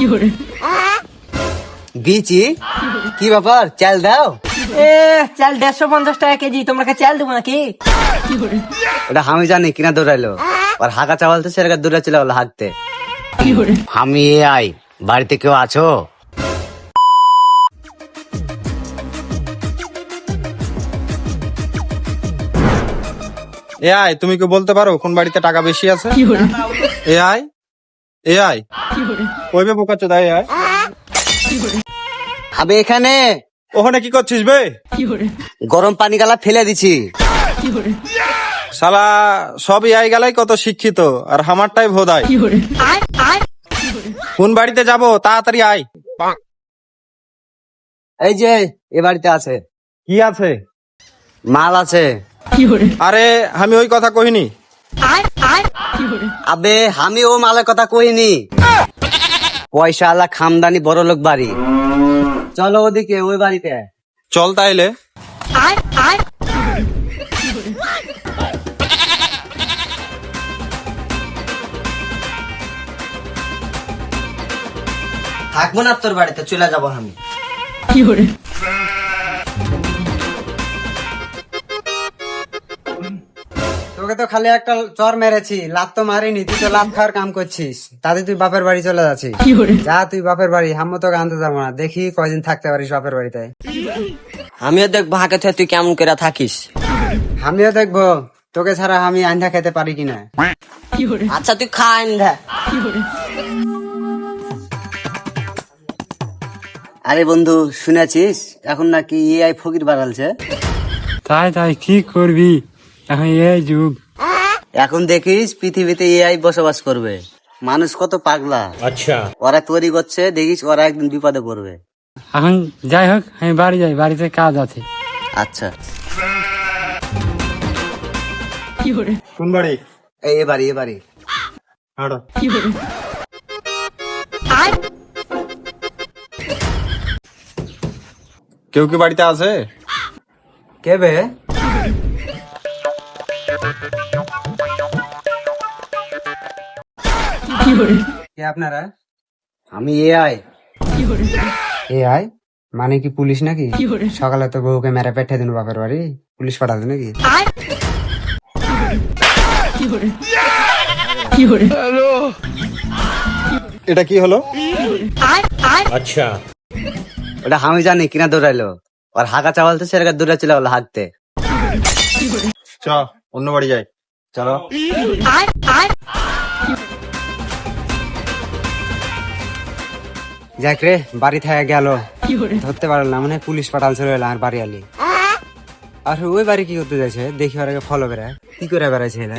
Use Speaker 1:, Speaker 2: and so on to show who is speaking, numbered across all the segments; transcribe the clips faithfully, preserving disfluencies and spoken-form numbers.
Speaker 1: বিচি কি ব্যাপার, চাল দাও।
Speaker 2: এ চাল দেড়শো পঞ্চাশ টাকা কেজি, তোমরা চাল দেবো নাকি?
Speaker 1: ওটা আমি জানি কিনা দৌড়াইলো, আর হাঁকা চাওয়াল তো সেরকম দৌড়া চলে গেলো হাঁকতে। আমি এ আই, বাড়িতে কেউ আছো?
Speaker 3: এআই, তুমি কি বলতে পারো কোন বাড়িতে টাকা বেশি আছে? এআই এআই ওই বে বোকা চোদা এআই।
Speaker 1: আমি এখানে
Speaker 3: ওখানে কি করছিস বে?
Speaker 1: গরম পানি গালা ফেলে দিছি।
Speaker 3: শালা সব এআই গালাই কত শিক্ষিত, আর আমারটাই ভোদাই। কোন বাড়িতে যাব, তাড়াতাড়ি আয়।
Speaker 1: এই যে এ বাড়িতে আছে,
Speaker 3: কি আছে?
Speaker 1: মাল আছে।
Speaker 3: আরে আমি ওই কথা কহিনি।
Speaker 1: আবে আমি ও মালের কথা কইনি, পয়সা আলা খামদানি বড় লোক বাড়ি। চলো ওদিকে, ওই বাড়িতে
Speaker 3: চল তাইলে।
Speaker 1: থাকবো না তোর বাড়িতে, চলে যাবো আমি। তোকে তো খালি একটা চর মেরেছি, লাভ তো মারিনি। তুই তো লাভ খাওয়ার কাম করছিস, তাতে তুই বাপের বাড়ি চলে যাচ্ছিস। যা তুই বাপের বাড়ি, আমি তোকে আনতে যাবো না। দেখি কয়দিন থাকতে পারিস বাপের বাড়িতে।
Speaker 2: আমিও দেখবো হাঁকে থেকে তুই কেমন করে থাকিস।
Speaker 1: আমিও দেখবো তোকে ছাড়া আমি আন্ধা খেতে পারি কিনা।
Speaker 2: আচ্ছা তুই খা আন্ধা।
Speaker 1: আরে বন্ধু, শুনেছিস এখন নাকি এআই ফকির বাড়ালছে?
Speaker 4: তাই তাই কি করবি, এখন এই যুগ।
Speaker 1: এখন দেখিস পৃথিবীতে এআই বসবাস করবে। মানুষ কত পাগলা। আচ্ছা, ওরা তৈরি করছে, দেখিস ওরা একদিন বিপদে পড়বে।
Speaker 4: এখন যাই হোক, আমি বাড়ি যাই, বাড়িতে কাজ আছে।
Speaker 1: আচ্ছা,
Speaker 3: কোন বাড়ি?
Speaker 1: এই এ বাড়ি, এ বাড়ি।
Speaker 3: হাঁটো। কেউ কি বাড়িতে আছে?
Speaker 1: কে বে? কে আপনারা? আমি এআই। এআই মানে কি পুলিশ নাকি? সকালে তো বউকে মেরে পেটে দিন বাপের বাড়ি, পুলিশ পাঠাতে নাকি?
Speaker 3: এটা কি হলো?
Speaker 1: আচ্ছা, ওটা আমি জানি কিনা দৌড়াইলো, আর হাঁকা চাওয়াল তো সেরকম দৌড়া চলে গেলো হাঁকতে।
Speaker 3: চ অন্য বাড়ি যাই।
Speaker 1: চলো। যাক রে, বাড়ি থেকে গেল, ধরতে পারলাম, মানে পুলিশ পাঠালছিল আর বাড়ি আলি। আর ওই বাড়ি কি করতে যাচ্ছে দেখি, ওর আগে ফলো বেড়া কি করে বেড়াচ্ছে এরা।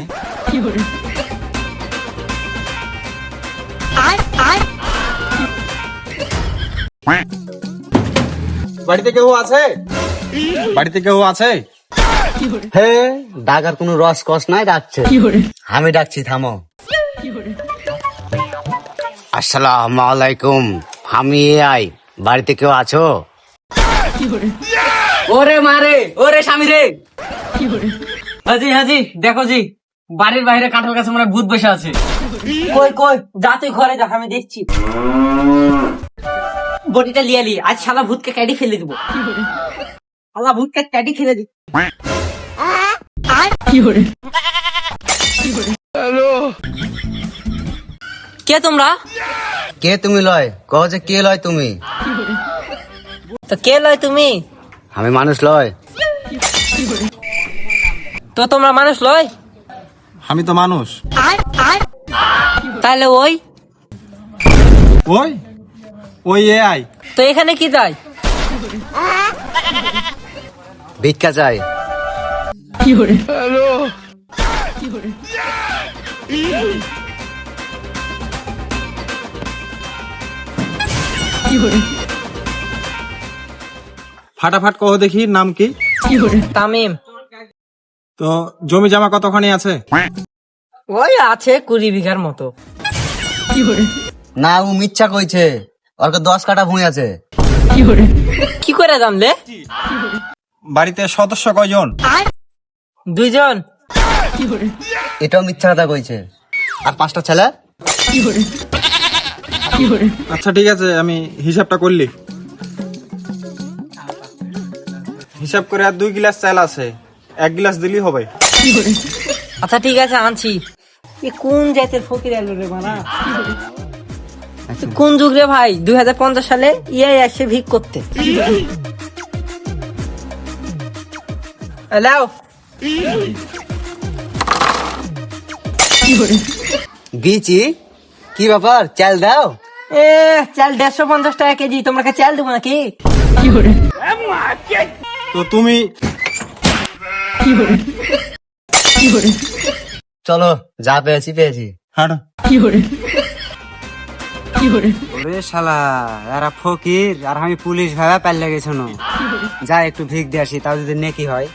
Speaker 3: বাড়িতে কেউ আছে? বাড়িতে কেউ আছে?
Speaker 1: হে, ডাকার কোনো রস কস নাই, ডাকছে। আমি ডাকছি, থামো। আসসালামু আলাইকুম, আমি এআই, বাড়িতে কেউ আছো?
Speaker 2: ওরে মারে, ওরে স্বামী রে। হাজি হাজি, দেখো জি, বাড়ির বাইরে কাঁঠাল গাছে মানে ভূত বসে আছে। কই কই, যা তুই ঘরে যা, আমি দেখছি। বটিটা লিয়ালি, আজ শালা ভূতকে ক্যাডি ফেলে দিব। শালা ভূতকে ক্যাডি ফেলে দিব। কে তোমরা?
Speaker 1: কে তুমি লয়, কহ যে কে লয় তুমি?
Speaker 2: তো কে লয় তুমি?
Speaker 1: আমি মানুষ লয়।
Speaker 2: তো তোমরা মানুষ লয়?
Speaker 3: আমি তো মানুষ।
Speaker 2: তাহলে ওই
Speaker 3: ওই ওই এআই।
Speaker 2: তো এখানে কি তাই?
Speaker 1: ভিক্ষা চাই।
Speaker 3: ফাটাফাট কহ দেখি, নাম কি?
Speaker 2: তামিম।
Speaker 3: তো জমি জমা কতখানি আছে?
Speaker 2: ওই আছে কুড়ি বিঘার মতো।
Speaker 1: না, ও মিথ্যা কইছে, ওর দশ কাটা ভুঁই আছে।
Speaker 2: কি করে জানলে?
Speaker 3: বাড়িতে সদস্য কয়জন?
Speaker 2: দুইজন।
Speaker 1: এটাও মিথ্যা কথা কইছে। আর পাঁচটা ছেলে?
Speaker 3: আচ্ছা ঠিক আছে, আমি হিসাবটা করলি। হিসাব করে আর দুই গ্লাস চাল আছে, এক গ্লাস দিলেই হবে।
Speaker 2: আচ্ছা ঠিক আছে, আনছি। এ কোন জাতের ফকির এলো রে বানা? কোন যুগ রে ভাই? দুই হাজার পঞ্চাশ সালে ইয়াই আসে ভিক করতে। এলাও
Speaker 1: বিচি কি ব্যাপার, চাল দাও।
Speaker 2: এ চাল দেড়শো পঞ্চাশ টাকা কেজি, তোমরা কে চাল দেবো নাকি?
Speaker 3: তো তুমি
Speaker 1: চলো, যা পেয়েছি পেয়েছি।
Speaker 3: হাঁটো।
Speaker 1: ওরে শালা, এরা ফকির আর আমি পুলিশ ভাবে পাল্লে গেছ না। যা একটু ভিক দিয়ে আসি, তাও যদি নেকি হয়।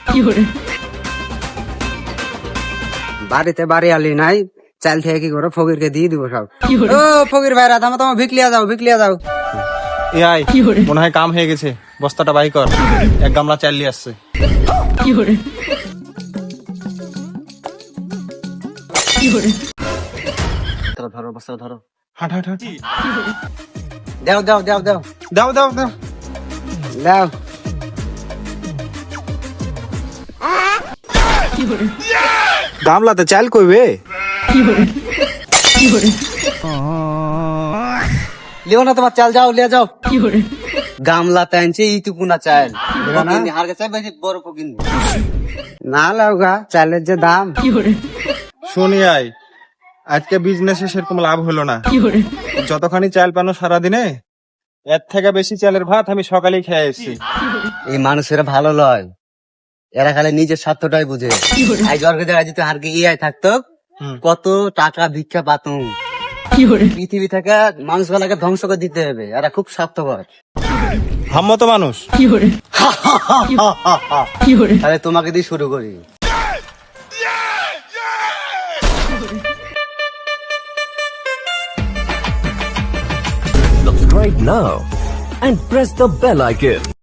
Speaker 1: বাড়িতে বাড়ি আলি নাই, চাল থেকে কি করে ফকিরকে দিয়ে দিব সব। ও ফকির ভাইরা, তোমার তোমার ভিক লিয়া যাও, ভিক লিয়া যাও।
Speaker 3: এ আই, মনে হয় কাম হয়ে গেছে, বস্তাটা বাই কর, এক গামলা চাল নিয়ে আসছে।
Speaker 1: ধরো বস্তা ধরো।
Speaker 3: হাঁট হাঁট হাঁট।
Speaker 1: দাও দাও দাও দাও
Speaker 3: দাও দাও দাও।
Speaker 1: দাও।
Speaker 3: গামলাতে চাল কইবে?
Speaker 1: লিও না তোমার চাল, যাও লিয়া যাও। গামলাতে আনছে ইতুকুনা চাল, হার কাছে বেশি বড় ফকির না লাও গা, চালের যে দাম।
Speaker 3: শুনি আই, আজকে বিজনেসে সেরকম লাভ হলো না। যতখানি চাল পানো সারাদিনে, এর থেকে বেশি চালের ভাত আমি সকালেই খেয়ে এসেছি।
Speaker 1: এই মানুষেরা ভালো লয়, এরা খালি নিজের স্বার্থটাই বুঝে। আই জর্গে জায়গায় যদি হারকে ইআই থাকতো, কত টাকা ভিক্ষা পাতুম। পৃথিবী থেকে মানুষগুলাকে ধ্বংস করে দিতে হবে, এরা খুব স্বার্থপর।
Speaker 3: হাম্মতো মানুষ।
Speaker 1: তাহলে তোমাকে দিয়ে শুরু করি।
Speaker 5: Subscribe now and press the bell icon.